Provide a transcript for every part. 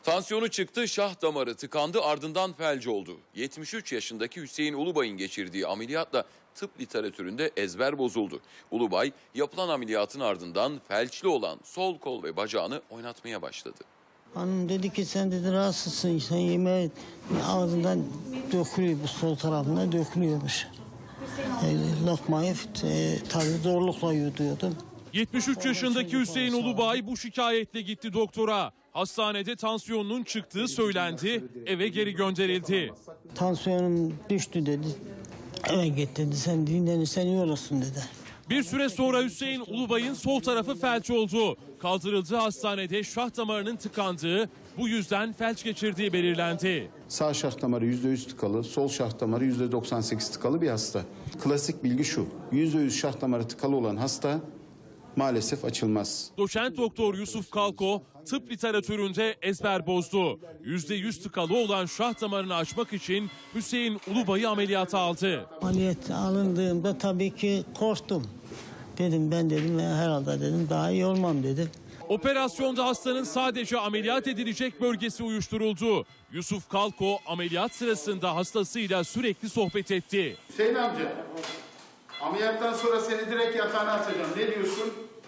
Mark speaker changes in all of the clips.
Speaker 1: Tansiyonu çıktı, şah damarı tıkandı, ardından felç oldu. 73 yaşındaki Hüseyin Ulubay'ın geçirdiği ameliyatla tıp literatüründe ezber bozuldu. Ulubay yapılan ameliyatın ardından felçli olan sol kol ve bacağını oynatmaya başladı.
Speaker 2: Hanım dedi ki sen dedi rahatsızsın, sen yemeği ağzından dökülüyor, bu sol tarafından dökülüyormuş. Lokmayı tabii zorlukla yutuyordum.
Speaker 3: 73 yaşındaki Hüseyin Ulubay bu şikayetle gitti doktora. Hastanede tansiyonunun çıktığı söylendi, eve geri gönderildi.
Speaker 2: Tansiyonum düştü dedi. Eve git dedi, sen dinlenirsen iyi olursun dedi.
Speaker 3: Bir süre sonra Hüseyin Ulubay'ın sol tarafı felç oldu. Kaldırıldığı hastanede şah damarının tıkandığı, bu yüzden felç geçirdiği belirlendi.
Speaker 4: Sağ şah damarı %100 tıkalı, sol şah damarı %98 tıkalı bir hasta. Klasik bilgi şu, %100 şah damarı tıkalı olan hasta maalesef açılmaz.
Speaker 3: Doçent doktor Yusuf Kalko tıp literatüründe ezber bozdu. %100 tıkalı olan şah damarını açmak için Hüseyin Ulubay'ı ameliyata aldı.
Speaker 2: Ameliyat alındığımda tabii ki korktum. Dedim ben dedim herhalde dedim daha iyi olmam dedim.
Speaker 3: Operasyonda hastanın sadece ameliyat edilecek bölgesi uyuşturuldu. Yusuf Kalko ameliyat sırasında hastasıyla sürekli sohbet etti.
Speaker 5: Hüseyin amca, ameliyattan sonra seni direkt yatağına atacağım. Ne diyorsun?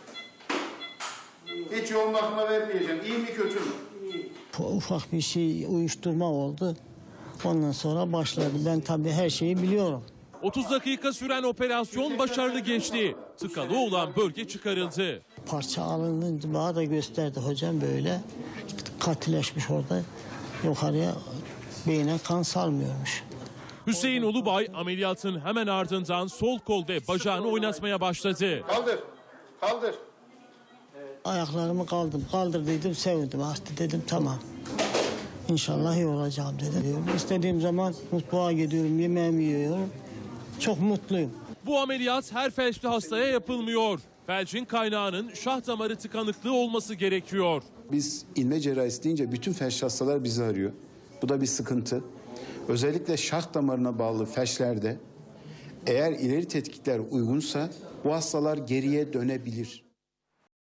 Speaker 5: Hiç yoğun bakıma vermeyeceğim. İyi mi kötü mü?
Speaker 2: Ufak bir şey uyuşturma oldu. Ondan sonra başladı. Ben tabii her şeyi biliyorum.
Speaker 3: 30 dakika süren operasyon başarılı geçti. Tıkalı olan bölge çıkarıldı.
Speaker 2: Parça alınınca bana da gösterdi hocam böyle. Katileşmiş orada. Yukarıya beyne kan salmıyormuş.
Speaker 3: Hüseyin Ulubay ameliyatın hemen ardından sol kol ve bacağını oynatmaya başladı.
Speaker 5: Kaldır, kaldır.
Speaker 2: Ayaklarımı kaldır dedim, sevindim. Hasta dedim tamam. İnşallah iyi olacağım dedim. İstediğim zaman mutfağa gidiyorum, yemeğimi yiyorum. Çok mutluyum.
Speaker 3: Bu ameliyat her felçli hastaya yapılmıyor. Felçin kaynağının şah damarı tıkanıklığı olması gerekiyor.
Speaker 4: Biz ilme cerrahisi deyince bütün felç hastalar bizi arıyor. Bu da bir sıkıntı. Özellikle şah damarına bağlı felçlerde eğer ileri tetkikler uygunsa bu hastalar geriye dönebilir.